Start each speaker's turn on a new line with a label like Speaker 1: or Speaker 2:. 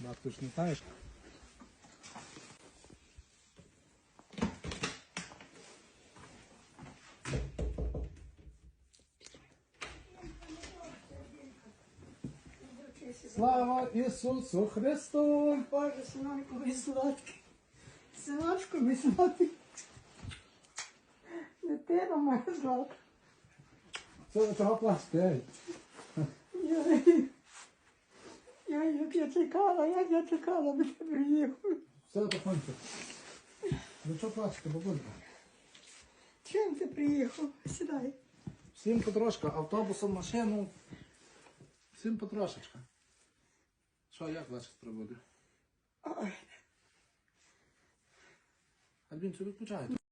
Speaker 1: А ти ж не знаєш? Слава Ісусу Христу!
Speaker 2: Боже, синочку, мій сладкий. Синочку, мій сладкий. Дитина моя сладка.
Speaker 1: Це ви того пластей.
Speaker 2: Як я чекала, би ти приїхав.
Speaker 1: Все потихоньку. Ну що плачете, бабулька?
Speaker 2: Чим ти приїхав? Сідай.
Speaker 1: Всім потрошка, автобусом, машину. Всім потрошечка. Що, як ваші справи?
Speaker 2: Ой.
Speaker 1: Альбінцю, відключайте.